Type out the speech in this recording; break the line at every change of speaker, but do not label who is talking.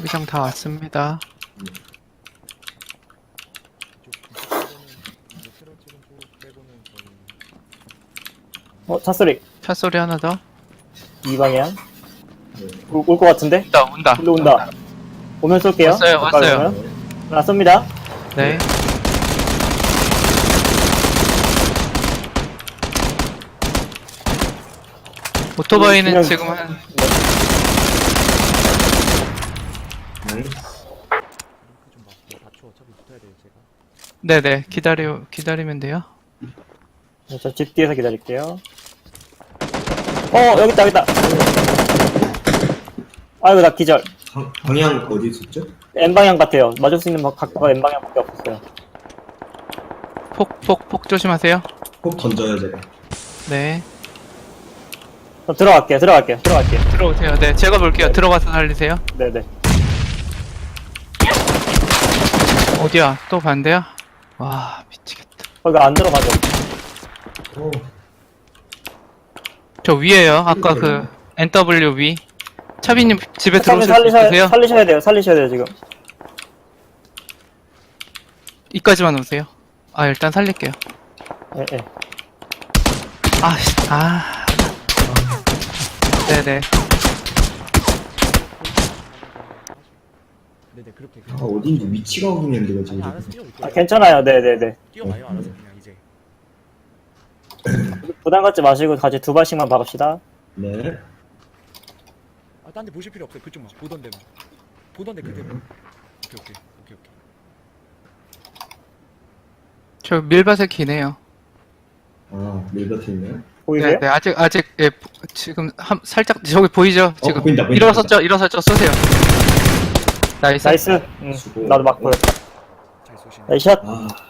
자기장 다 왔습니다.
차 소리.
차 소리 하나 더.
이 방향. 올 것 같은데?
온다.
일로 온다. 오면 쏠게요.
왔어요,
가까이
왔어요.
오면. 하나 쏩니다.
네. 오토바이는
그냥-
지금 한 네네 기다리면 돼요.
네, 저 집 뒤에서 기다릴게요. 여기 있다. 아이고, 나 기절.
방향 어디 있었죠?
N방향 같아요. 맞을 수 있는 각도가 N방향밖에 없었어요.
폭 조심하세요.
꼭 던져요 제가.
네.
저 들어갈게요.
들어오세요. 네, 제가 볼게요. 들어가서 살리세요.
네네.
어디야? 또 반대야? 와, 미치겠다.
거기 안 들어가죠.
오,
저 위에요. 아까 그 NW 위. 차비님 집에
차장님
들어오실 수 있으세요?
살리셔야 돼요, 지금.
이까지만 오세요. 일단 살릴게요.
예, 예.
네네.
네네 그렇게
어딘지 위치가 확인했는데 왜
아니
지금
알아서 뛰어올 거예요.
괜찮아요. 네네네.
뛰어와요 알아서 그냥 이제.
부담 갖지 마시고 같이 두 발씩만 박읍시다.
네.
딴 데 보실 필요 없어요. 그쪽만 보던 데만. 보던 데 그대로. 오케이.
저 밀밭에 기네요.
밀밭에 있네요.
보이세요?
네, 아직, 예, 지금, 살짝, 저기 보이죠? 지금.
보인다.
일어섰죠? 쏘세요. 나이스.
나이스.
수고.
나도 맞고요.
잘 쏘시네.
나이스 샷.
아,